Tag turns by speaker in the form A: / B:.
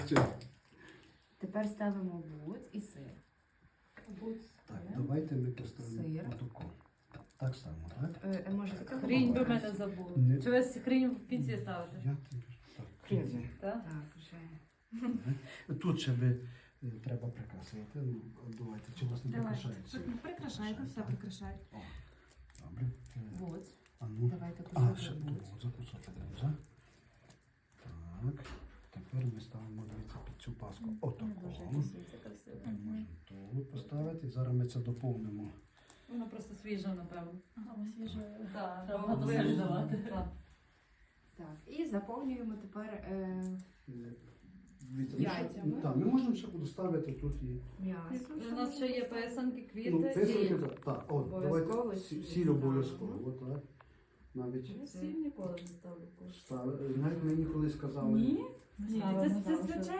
A: Тепер ставимо буц і сир.
B: Так, давайте ми поставимо
A: Сир.
B: отако. Так само, так?
A: Може, з цього
C: Хрінь
A: боку
C: би мене
A: краще?
C: забули.
B: Не-
C: Чи ви хрінь в кінці ставите?
B: Я тобі так.
A: Хрінь.
C: Так?
A: Так, вже.
B: Тут ще би треба прикрасити. Ну, давайте, чи у вас не прикрашається?
D: Прикрашайте, все прикрашайте.
B: О, добре.
A: Буц.
B: А ну.
A: Давайте
B: А,
A: кусочок
B: ще
A: буц.
B: кусочок буза. Так. Тепер ми ставимо, дивіться, під цю паску. Отако.
A: Дуже красиво.
B: Можемо тут поставити. Зараз ми це доповнимо.
C: Воно просто свіже, напевно.
D: Ага, свіже.
C: Так,
A: треба
C: треба
A: було
C: солі
A: давати.
C: давати.
A: Так, і заповнюємо тепер
B: Дивіться,
A: Яйцями.
B: Так, ми можемо ще доставити тут і.
A: м'ясо.
C: У нас ще є писанки,
B: Ну,
C: квіти,
B: писанки,
C: сіль.
B: так, от,
A: Обов'язково
B: давайте
A: сіль
B: сіль обов'язково, так. Навіть
C: Я сіль ніколи не ставлю.
B: ставили. Навіть мені колись казали.
D: Ні?
C: Ні, це звичайно.